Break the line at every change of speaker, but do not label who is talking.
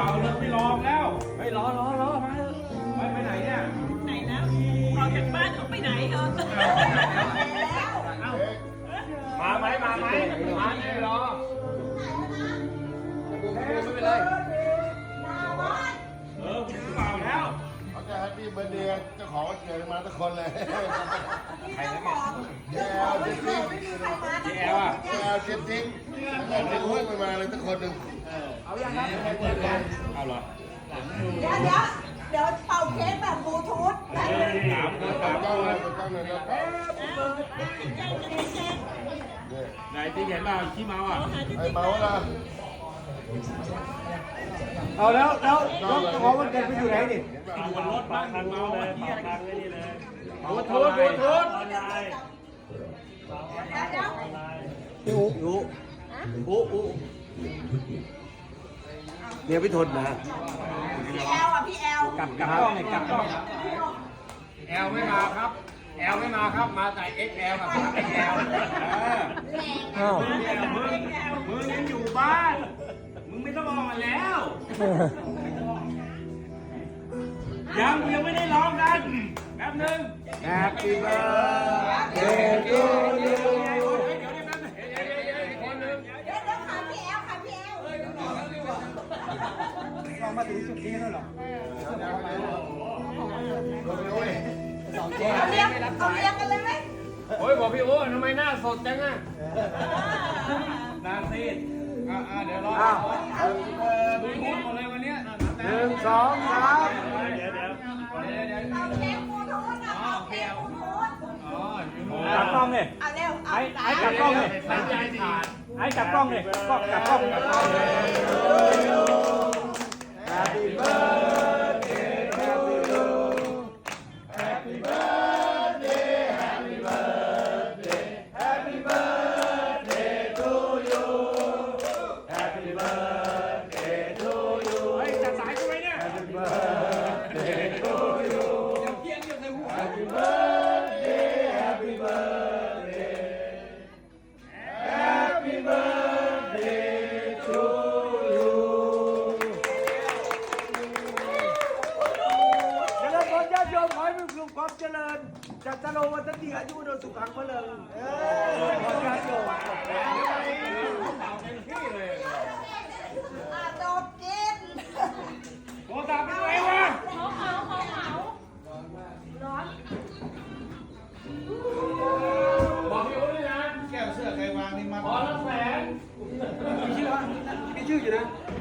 เลิกไม่รอแล้วไปรอมาเถอะไปไหนเนี่ย
ไหนแล้วออกจากบ้านเขาไปไหนเหรอ
มาไหมมาไม่รอไม่เป็นไรผมเปล่าแล้ว
เขาจะแฮปปี้เบิร์ดเดย์เจ้าของวันเกิดมาทุกคนเลยใครนะเนี่ยแอลเจสซิ่ง
แอลอ่ะ
แอลเจสซิ่งแล้วก็ถึงหุ้นไปมาเลยทุกคนหนึ่ง
เอาเหรอ
เดี๋ยวเป่าเค้กแบบบลูทูธ
ถาม
ต้องเลยต้องเลยนะ
ไหนที่เห็นเปล่าขี้เมาอ่ะ
ไอ้เมาส์ล่ะ
เอาแล้วเจ้าของมันเกิดไปอยู่ไหนดิ
อยู่บนรถบ้านเมาอ่ะที่อะไรกันนี่เลยบลูทูธ
พี่อูเนี่ยพี่ทนนะ
พี่แอลอ่ะพี่แอล
กลับกล้องเลยกลับกล้อง
แอลไม่มาครับแอลไม่มาครับมาแต่ XL กับ XL
อ้าว
มึงยังอยู่บ้านมึงไม่ต้องออกมาแล้วยังไม่ได้ร้องกันแป๊บนึง
Happy birthday to you
เดี๋ยวขาพี่แอลขาพี่แอล
เรามาถึงจุดนี้แล้วเหรอ
เอาเลี้ยงกันเลยไหม
โอ้ยบอกพี่โอ้ทำไมหน้าสดจังอ่ะหน้าซีดเดี๋ยวรอดูงดหมดเลยวันนี้
1 2 3
เอาเค้กบลูทูธนะเอาเค้กบลูทูธ
กลับกล้องเลย
เอาเร็วเอา
ไอ้กลับกล้องเลยไอ้กลับกล้องเลยกลับกล้อง Happy birthday to you Happy birthday Happy birthday Happy birthday to you Happy birthday to you
เฮ้ยจัดสายกูไว้เนี่ย
Happy birthday to you Happy birthday Happy birthday Happy birthday to you เจริญพรญาติโยมขอให้มีความเจริญจัตโลวัตติอายุโนสุขังพลังญาติโยม
จบกิน
โทรศัพท์เป็นไงวะ
ร้อน
บอกพี่โอ้ด้วยนะ
แก้วเสื้อใครวางนี่มา
พอละแสน
มีชื่ออยู่นะ